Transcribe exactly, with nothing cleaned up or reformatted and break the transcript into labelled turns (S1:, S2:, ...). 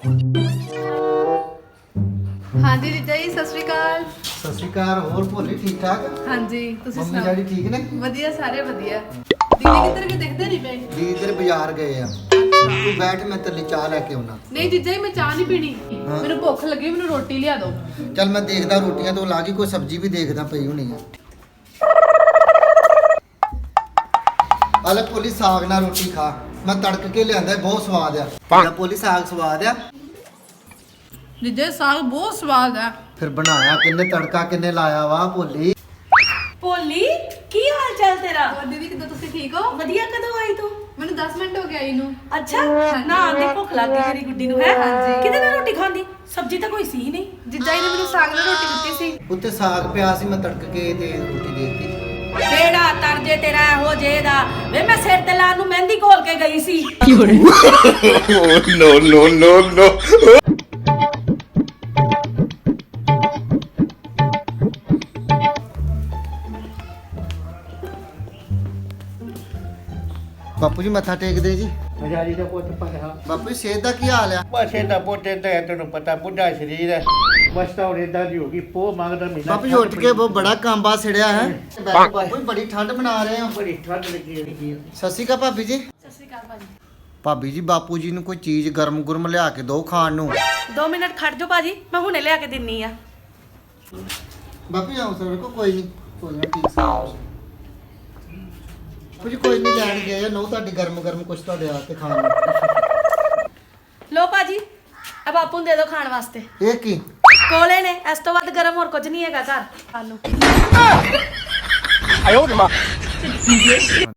S1: हाँ जी जीजा जी सत श्री अकाल।
S2: सत श्री अकाल। और भोली ठीक ठाक?
S1: हाँ जी तुसी
S2: मम्मी
S1: सुनाओ।
S2: डैडी ठीक ने?
S1: वधिया सारे वधिया। दीदी किधर गए दिखदे नहीं पे?
S2: दी इधर बाजार गए आ। तू बैठ मैं तेरे लिए चाह लेके आउना।
S1: नहीं जीजा जी मैं चाह नहीं पीनी।
S2: हाँ।
S1: मेनू भुख लगी मेनू रोटी लिया दो।
S2: चल मैं देखदा रोटियां तो लागी कोई सब्जी भी देखदा पई होनी है। आले भोली साग ना रोटी खा। मैं तड़क के लियांदा बहुत स्वाद आ। भोली साग स्वाद आ।
S1: जीजा जी साग बहुत स्वाद है।
S2: फिर बनाया किन्ने तड़का किन्ने लाया वा भोली।
S3: ਭੋਲੀ ਕੀ ਹਾਲ ਚਾਲ ਤੇਰਾ?
S1: और दीदी किधर तुसी ठीक हो?
S3: ਵਧੀਆ ਕਦੋਂ ਆਈ ਤੂੰ?
S1: मैंने दस मिनट हो गया आई नू।
S3: ਅੱਛਾ ਨਾ ਆਂਦੇ ਭੁੱਖ ਲੱਗ ਗਈ ਮੇਰੀ ਗੁੱਡੀ ਨੂੰ ਹੈ
S1: ਹਾਂਜੀ।
S3: ਕਿਤੇ ਨਾ ਰੋਟੀ ਖਾਂਦੀ ਸਬਜ਼ੀ ਤਾਂ ਕੋਈ ਸੀ ਹੀ ਨਹੀਂ।
S1: जीजा जी ने मेनू साग नाल रोटी दित्ती सी।
S2: ਉੱਤੇ ਸਾਗ ਪਿਆ ਸੀ ਮੈਂ ਤੜਕ ਕੇ ਤੇ ਰੋਟੀ ਦੇਤੀ।
S3: ਕਿਹੜਾ ਤਰਜੇ ਤੇਰਾ ਇਹੋ ਜੇ ਦਾ ਵੇ ਮੈਂ ਸਿਰ ਤੇ ਲਾਉਣ ਨੂੰ ਮਹਿੰਦੀ ਘੋਲ ਕੇ ਗਈ ਸੀ।
S4: no, no, no, no.
S2: ਬਾਪੂ ਜੀ ਮੱਥਾ ਟੇਕਦੇ ਜੀ।
S5: ਹਜ਼ਾਰੀ ਦਾ ਪੁੱਤ ਪੜਿਆ
S2: ਬਾਪੂ ਜੀ ਸਿਹਤ ਦਾ ਕੀ ਹਾਲ ਆ?
S5: ਬਸ ਇਹਦਾ ਪੁੱਤ ਏਦਾਂ ਹੈ ਤੈਨੂੰ ਪਤਾ ਬੁੱਢਾ ਸਰੀਰ ਹੈ ਬਸ ਤਾਂ ਹੁਣ ਏਦਾਂ ਦੀ ਹੋ ਗਈ ਪੋ ਮੰਗਦਾ ਮਹੀਨਾ
S2: ਬਾਪੂ ਜੀ ਉੱਠ ਕੇ ਬਹੁਤ ਬੜਾ ਕਾਂਬਾ ਛੜਿਆ ਹੈ। ਬਾਪੂ ਜੀ ਬੜੀ ਠੰਡ ਬਣਾ ਰਹੇ ਹੋ।
S5: ਬੜੀ ਠੰਡ ਲੱਗੀ ਹੋਈ ਹੈ
S2: ਸਤਿ ਸ਼੍ਰੀ ਅਕਾਲ ਭਾਬੀ ਜੀ।
S3: ਸਤਿ ਸ਼੍ਰੀ ਅਕਾਲ ਭਾਜੀ।
S2: ਭਾਬੀ ਜੀ ਬਾਪੂ ਜੀ ਨੂੰ ਕੋਈ ਚੀਜ਼ ਗਰਮ ਗੁਰਮ ਲਿਆ ਕੇ ਦਿਓ ਖਾਣ ਨੂੰ।
S3: ਦੋ ਮਿੰਟ ਖੜ ਜਾਓ ਭਾਜੀ ਮੈਂ ਹੁਣੇ ਲਿਆ ਕੇ ਦਿੰਨੀ ਆ।
S2: ਬਾਪੂ ਜੀ ਆਓ ਸਰ ਕੋ ਕੋਈ ਨਹੀਂ ਕੋਈ ਨਾ ਠੀਕ ਸਾਹ ਕੁਝ ਕੋਈ ਨਹੀਂ ਲੈਣ ਗਏ ਨੋ ਤੁਹਾਡੀ ਗਰਮ ਗਰਮ ਕੁਛ ਤੁਹਾਡੇ ਆ ਕੇ ਖਾਣ ਨੂੰ।
S3: ਲੋ ਭਾਜੀ ਆ ਬਾਪੂ ਨੂੰ ਦੇ ਦਿਓ ਖਾਣ ਵਾਸਤੇ।
S2: ਇਹ ਕੀ?
S3: ਕੋਲੇ ਨੇ ਇਸ ਤੋਂ ਵੱਧ ਗਰਮ ਹੋਰ ਕੁਝ ਨਹੀਂ ਹੈਗਾ ਘਰ ਖਾਣ ਨੂੰ।